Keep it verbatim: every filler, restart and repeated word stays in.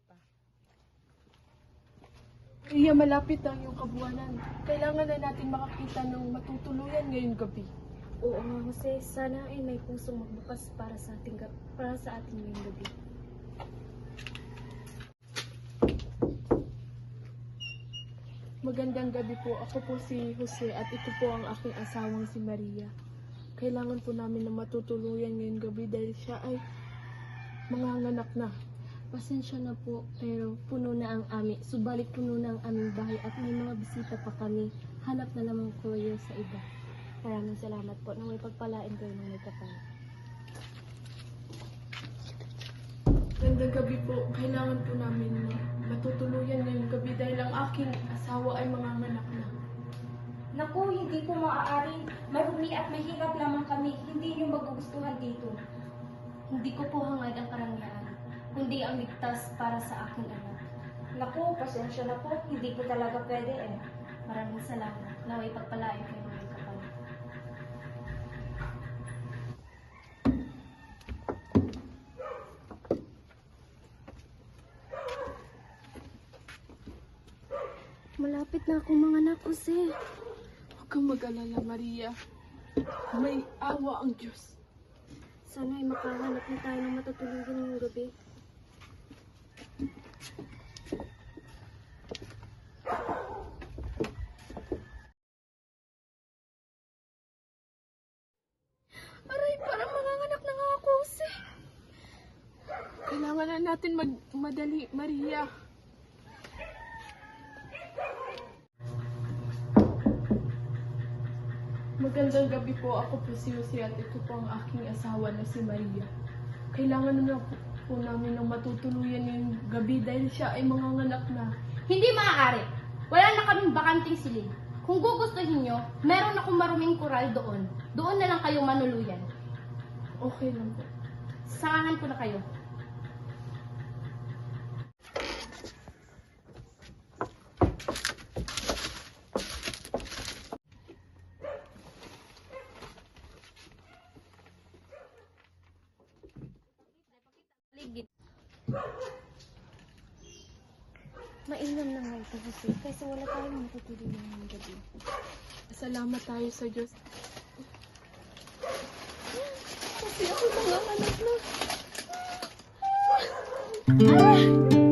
pa. Iya, malapit ang yung kabuwanan. Kailangan na natin makakita ng matutuluyan ngayong gabi. Oo nga, Jose. Sana ay may pusong magbukas para sa ating, ga- para sa ating ngayong gabi. Magandang gabi po. Ako po si Jose at ito po ang aking asawang si Maria. Kailangan po namin na matutuluyan ngayong gabi dahil siya ay manganganak na. Pasensya na po, pero puno na ang aming, subalit puno na ang aming bahay at may mga bisita pa kami. Hanap na lamang ko kayo sa iba. Maraming salamat po na may pagpalain kayo ng may kapal. Magandang gabi po. Kailangan po namin na matutuluyan ngayong gabi dahil ang aking asawa ay manganganak na. Naku, hindi po maaari. Marumi at mahirap lamang kami. Hindi niyo magugustuhan dito. Hindi ko po hangad ang karangyaan, kundi ang ligtas para sa aking anak. Naku, pasensya na po. Hindi po talaga pwede eh. Maraming salamat na may pagpalain kayo ng may kapal. Malapit na akong mga anak, Jose. Huwag kang mag-alala, Maria. May awa ang Diyos. Sana ay makahanap na tayo ng matutulugan ngayong gabi. Aray, parang manganganak na nga ako, Jose. Kailangan na natin magmadali, Maria. Magandang gabi po. Ako po si Jose at ito po ang aking asawa na si Maria. Kailangan na po, po namin ng matutuluyan ngayong gabi dahil siya ay manganganak na. Hindi maaari. Wala na kaming bakanting silid. Kung gugustuhin nyo, meron akong maruming kural doon. Doon na lang kayo manuluyan. Okay lang po. Samahan ko na kayo. Mainam na nga ito, Jose, kasi wala tayong matutulugan ngayong gabi. Salamat tayo sa Diyos. Kasi ako manganganak na. Ah!